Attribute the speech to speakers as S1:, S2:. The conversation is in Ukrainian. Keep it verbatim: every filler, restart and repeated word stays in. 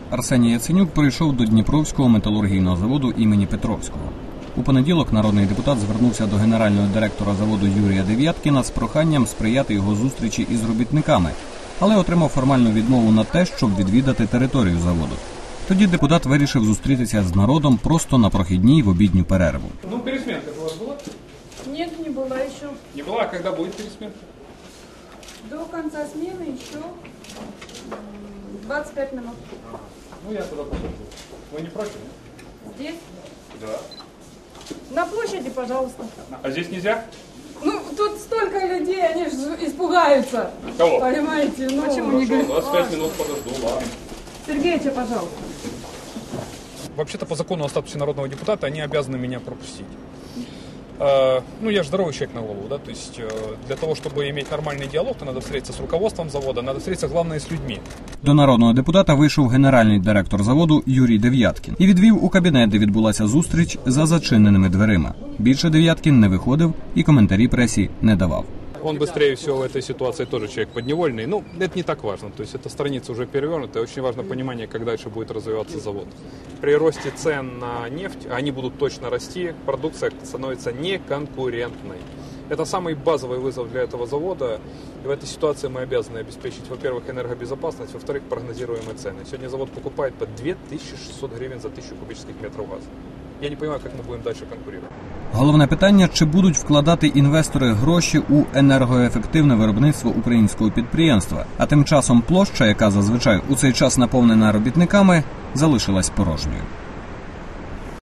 S1: Арсеній Яценюк прийшов до Дніпровського металургійного заводу імені Петровського. У понеділок народний депутат звернувся до генерального директора заводу Юрія Дев'яткіна з проханням сприяти його зустрічі із робітниками, але отримав формальну відмову на те, щоб відвідати територію заводу. Тоді депутат вирішив зустрітися з народом просто на прохідній в обідню перерву.
S2: Ну, пересменка у вас була?
S3: Нет, не была еще.
S2: Не была, а когда будет пересменка?
S3: До конца смены еще двадцать пять минут.
S2: Ну, я туда пошел. Вы не против?
S3: Здесь?
S2: Да.
S3: На площади, пожалуйста.
S2: А здесь нельзя?
S3: Ну, тут столько людей, они же испугаются.
S2: Кого?
S3: Понимаете? Ну, почему не говорят?
S2: двадцать пять минут подожду, ладно.
S3: Сергеича, пожалуйста.
S2: Вообще-то по закону о статусе народного депутата они обязаны меня пропустить. Э, ну, я же здоровый человек на голову, да, то есть э, для того, чтобы иметь нормальный диалог, то надо встретиться с руководством завода, надо встретиться, главное, с людьми.
S1: До народного депутата вийшов генеральний директор заводу Юрій Дев'яткін і відвів у кабінет, де відбулася зустріч за зачиненими дверима. Більше Дев'яткін не виходив і коментарі пресі не давав.
S2: Он быстрее всего в этой ситуации тоже человек подневольный. Ну, это не так важно. То есть эта страница уже перевернута. Очень важно понимание, как дальше будет развиваться завод. При росте цен на нефть, а они будут точно расти, продукция становится неконкурентной. Это самый базовый вызов для этого завода. И в этой ситуации мы обязаны обеспечить, во-первых, энергобезопасность, во-вторых, прогнозируемые цены. Сегодня завод покупает по две тысячи шестьсот гривен за тысячу кубических метров газа. Я не понимаю, как мы будем дальше конкурировать.
S1: Головне питання, чи будуть вкладати інвестори гроші у енергоефективне виробництво українського підприємства. А тим часом площа, яка зазвичай у цей час наповнена робітниками, залишилась порожньою.